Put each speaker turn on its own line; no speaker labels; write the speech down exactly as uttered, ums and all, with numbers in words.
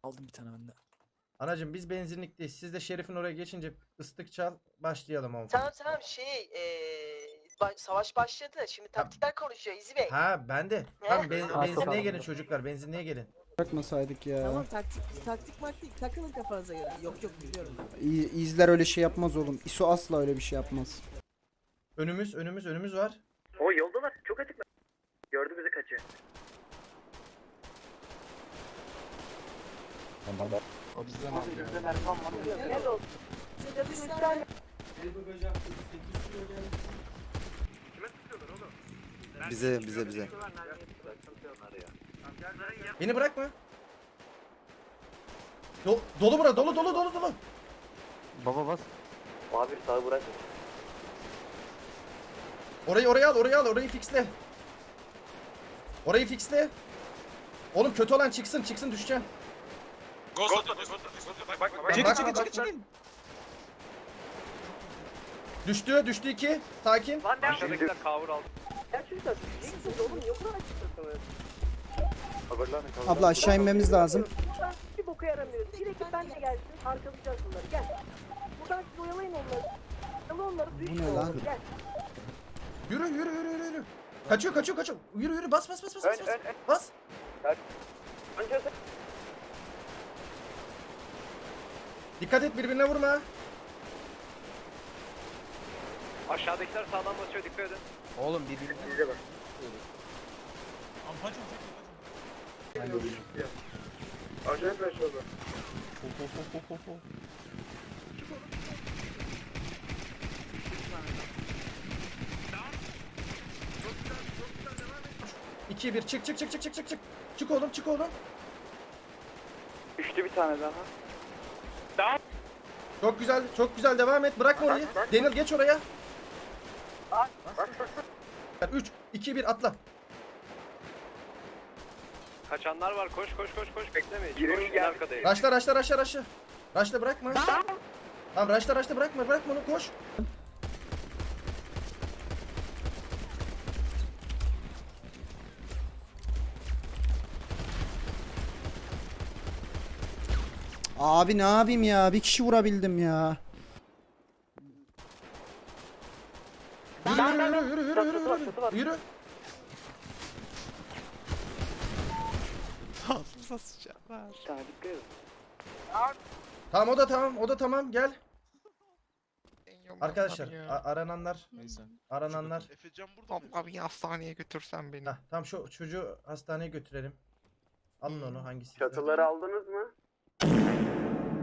Aldım bir tane bende.
Anacım biz benzinlikteyiz. Siz de Şerif'in oraya geçince ıslık çal, başlayalım oğlum.
Tamam tamam şey eee ba- savaş başladı. Şimdi taktikler konuşuyor İzi Bey.
Ha ben de.
Ne?
Tamam ben,
Ha,
benzinliğe
çok
gelin çocuklar, benzinliğe gelin.
Bırakmasaydık ya.
Tamam taktik taktik maktik takılın kafanıza göre. Yok yok biliyorum.
İ- İzler öyle şey yapmaz oğlum. İso asla öyle bir şey yapmaz.
Önümüz, önümüz, önümüz var.
O yoldalar. Çok açıklar. Gördü bizi kaçıyor.
O bizden alıyor.
Gel oğlum. Şurada bir tane.
Bize bize bize.
Beni bırakma. Do dolu bura, dolu dolu dolu dolu.
Baba bas.
Abi sağ bırak.
Orayı oraya al, oraya al, orayı fixle. Orayı fixle. Oğlum kötü olan çıksın, çıksın düşeceğim.
Çekil çekil çekil çekil.
Düştü, düştü iki. Sakin.
Lan ne aşağıdakiler
kavur aldı.
Ya çocuklar düşeceksiniz oğlum. Niye o kadar açıklasınız?
Abla aşağı inmemiz lazım.
Buradan hiçbir boka yaramıyor. Direkt ben de gelsin. Arkalayacağız bunları. Gel. Buradan siz oyalayın onları. Yalı onları.
Bu ne lan?
Gel.
Yürü, yürü, yürü, yürü, yürü. Kaçıyor, kaçıyor, kaçıyor. Yürü, yürü, bas, bas, bas, bas, bas. Bas. Dikkat et, birbirine vurma.
Aşağıdakiler sağdan basıyor, dikkat edin.
Oğlum birbirine.
Bize bak. Acayip flash oldu.
iki bir çık çık çık çık çık çık çık. Çık oğlum, çık oğlum.
Düştü bir tane daha.
Çok güzel, çok güzel devam et. Bırakma orayı. Daniel geç oraya. üç iki bir atla.
Kaçanlar var, koş koş koş koş, bekleme hiç. Koş, en arkadayım.
Raşla raşla raşla raşla. Raşla bırakma. Tamam raşla raşla bırakma, bırakma onu, koş.
Abi ne yapayım ya? Bir kişi vurabildim ya.
Yürü yürü yürü yürü yürü yürü yürü. Yürü.
Ağzımıza sıçarlar.
Tamam o da tamam, o da tamam, gel. Arkadaşlar
Ya.
a- arananlar,
Neyse.
arananlar.
Efecan burada mı?
Abla bir hastaneye götürsen beni.
Heh, tamam şu çocuğu hastaneye götürelim. Alın onu hangisi?
Çatıları aldınız mı?